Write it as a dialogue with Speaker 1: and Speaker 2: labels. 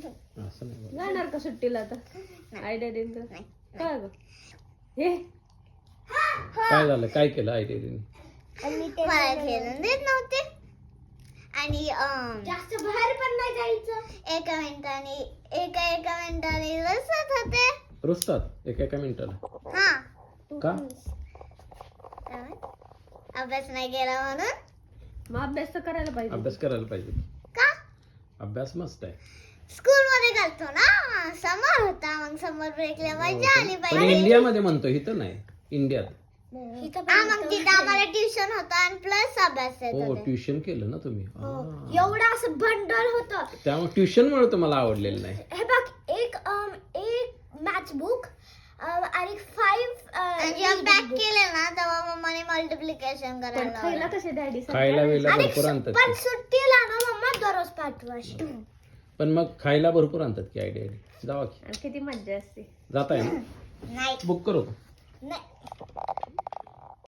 Speaker 1: असं नाही बोलायचं.
Speaker 2: जाणार का सुट्टीला आता आयडिया देईन तर काय ग हे
Speaker 1: काय झालं, काय केलं आयडिया?
Speaker 3: मला खेळून देत नव्हते आणि
Speaker 4: जास्त बाहेर पण नाही जायचं.
Speaker 3: एका मिनिटाने रसत होते.
Speaker 1: रुसतात एका मिनिटाला
Speaker 3: हा
Speaker 1: का?
Speaker 3: अभ्यास नाही केला म्हणून.
Speaker 2: मग अभ्यास तर करायला पाहिजे.
Speaker 1: अभ्यास करायला पाहिजे.
Speaker 3: का?
Speaker 1: अभ्यास मस्त आहे.
Speaker 3: स्कूल मध्ये घालतो ना, समर होता मग समर ब्रेकला मजा आली
Speaker 1: पण
Speaker 3: पाहिजे.
Speaker 1: इंडियामध्ये म्हणतो, इथं नाही, इंडियात.
Speaker 3: हा मग तिथं आम्हाला ट्युशन होतं आणि प्लस अभ्यास येत
Speaker 1: हो
Speaker 3: होते.
Speaker 1: ट्युशन केलं ना तुम्ही.
Speaker 4: एवढं असं बंडल होतं.
Speaker 1: त्यामुळे ट्युशन मुळे तुम्हाला आवडलेलं नाही.
Speaker 4: हे बघ, एक मॅथ्स बुक आणि 5
Speaker 3: आणि जेव्हा पॅक केले ना तेव्हा मम्माने मल्टिप्लिकेशन
Speaker 2: पण
Speaker 3: करायला
Speaker 2: खायला
Speaker 3: लावलं.
Speaker 2: कसे डॅडी
Speaker 1: खायला वेळेला भरपूर आणतात
Speaker 4: पण
Speaker 1: की.
Speaker 4: सुट्टीला ना मम्मा दररोज पाठवायची.
Speaker 1: पण मग खायला भरपूर आणतात की आयडिया. जावा की.
Speaker 2: आणि किती मज्जा असते.
Speaker 1: जाताय ना,
Speaker 3: नाही
Speaker 1: बुक करू का?